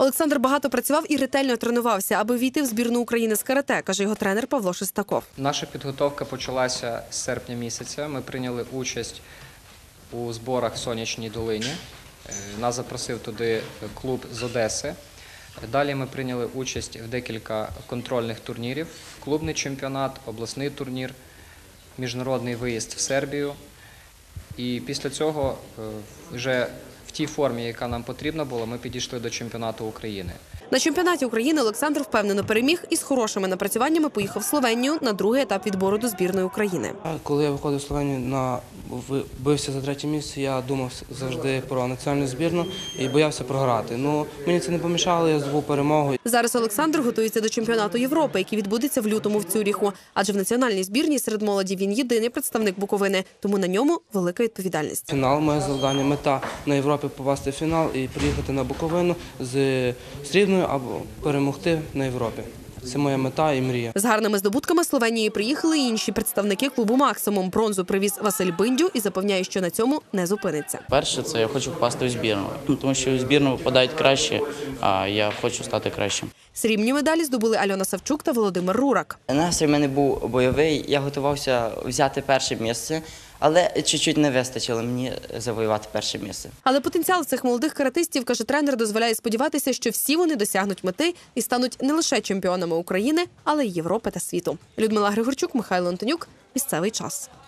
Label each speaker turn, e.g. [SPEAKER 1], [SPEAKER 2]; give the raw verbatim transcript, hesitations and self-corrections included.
[SPEAKER 1] Олександр багато працював і ретельно тренувався, аби війти в збірну України з карате, каже його тренер Павло Шестаков.
[SPEAKER 2] Наша підготовка почалася з серпня місяця. Ми прийняли участь у зборах в Сонячній Долині. Нас запросив туди клуб з Одеси. Далі ми прийняли участь в декілька контрольних турнірів. Клубний чемпіонат, обласний турнір, міжнародний виїзд в Сербію. І після цього вже в тій формі, яка нам потрібна була, ми підійшли до чемпіонату України.
[SPEAKER 1] На чемпіонаті України Олександр впевнено переміг і з хорошими напрацюваннями поїхав в Словенію на другий етап відбору до збірної України.
[SPEAKER 3] Коли я виходив в Словенію, на бився за третє місце, я думав завжди про національну збірну і боявся програти. Ну, мені це не помішало, я здобув перемогу.
[SPEAKER 1] Зараз Олександр готується до чемпіонату Європи, який відбудеться в лютому в Цюріху. Адже в національній збірній серед молоді він єдиний представник Буковини, тому на ньому велика відповідальність.
[SPEAKER 3] Фінал – моє завдання, мета на Європі попасти в фінал і приїхати на Буковину з срібною або перемогти на Європі. Це моя мета і мрія.
[SPEAKER 1] З гарними здобутками Словенії приїхали і інші представники клубу «Максимум». Бронзу привіз Василь Биндю і запевняє, що на цьому не зупиниться.
[SPEAKER 4] Перше, це я хочу попасти в збірну, тому що в збірну попадають краще, а я хочу стати кращим.
[SPEAKER 1] Срібні медалі здобули Альона Савчук та Володимир Рурак.
[SPEAKER 5] Настрій в мене був бойовий, я готувався взяти перше місце, але чуть-чуть не вистачило мені завоювати перше місце.
[SPEAKER 1] Але потенціал цих молодих каратистів, каже тренер, дозволяє сподіватися, що всі вони досягнуть мети і стануть не лише чемпіонами України, але й Європи та світу. Людмила Григорчук, Михайло Антонюк. Місцевий час.